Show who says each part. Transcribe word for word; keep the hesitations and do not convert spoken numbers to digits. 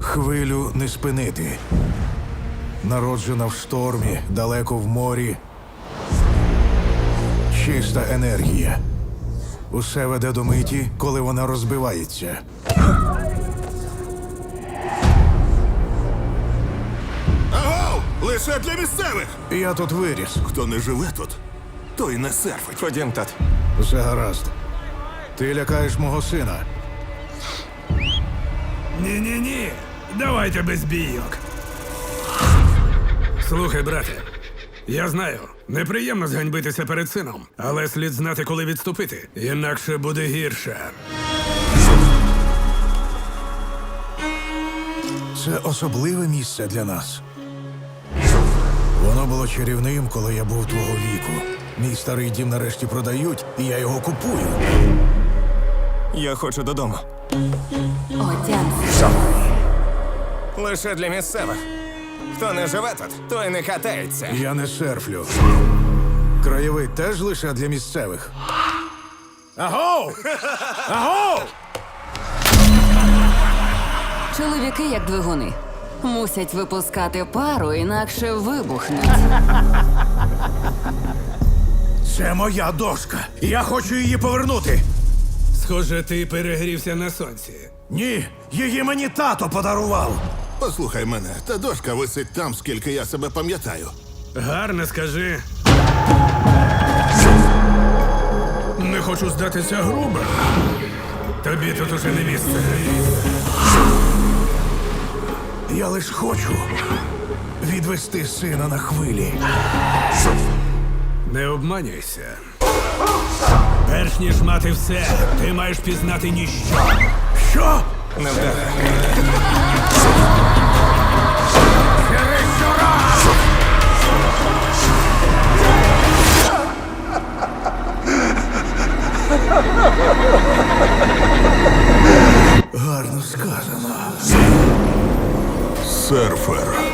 Speaker 1: Хвилю не спинити. Народжена в штормі, далеко в морі. Чиста енергія. Усе веде до миті, коли вона розбивається.
Speaker 2: Агов! Лише для місцевих!
Speaker 1: Я тут виріс.
Speaker 2: Хто не живе тут, той не серфить.
Speaker 3: Ходім, тат.
Speaker 1: Все гаразд. Ти лякаєш мого сина.
Speaker 4: Ні-ні-ні, давайте без бійок. Слухай, брате, я знаю, неприємно зганьбитися перед сином, але слід знати, коли відступити, інакше буде гірше.
Speaker 1: Це особливе місце для нас. Воно було чарівним, коли я був твого віку. Мій старий дім нарешті продають, і я його купую.
Speaker 3: Я хочу додому.
Speaker 5: Отямся.
Speaker 3: Лише для місцевих. Хто не живе тут, той не катається.
Speaker 1: Я не серфлю. Краєвид теж лише для місцевих. Агов! Агов!
Speaker 5: Чоловіки, як двигуни, мусять випускати пару, інакше вибухнуть.
Speaker 1: Це моя дошка. Я хочу її повернути.
Speaker 4: Схоже, ти перегрівся на сонці.
Speaker 1: Ні, її мені тато подарував.
Speaker 2: Послухай мене, та дошка висить там, скільки я себе пам'ятаю.
Speaker 4: Гарно скажи. Не хочу здатися грубо. Тобі тут уже не місце.
Speaker 1: Я лиш хочу відвести сина на хвилі.
Speaker 4: Не обманюйся. Перш ніж мати все, ти маєш пізнати ніщо.
Speaker 1: Що?
Speaker 3: Не вдаре.
Speaker 1: Гарно сказано.
Speaker 2: Серфер.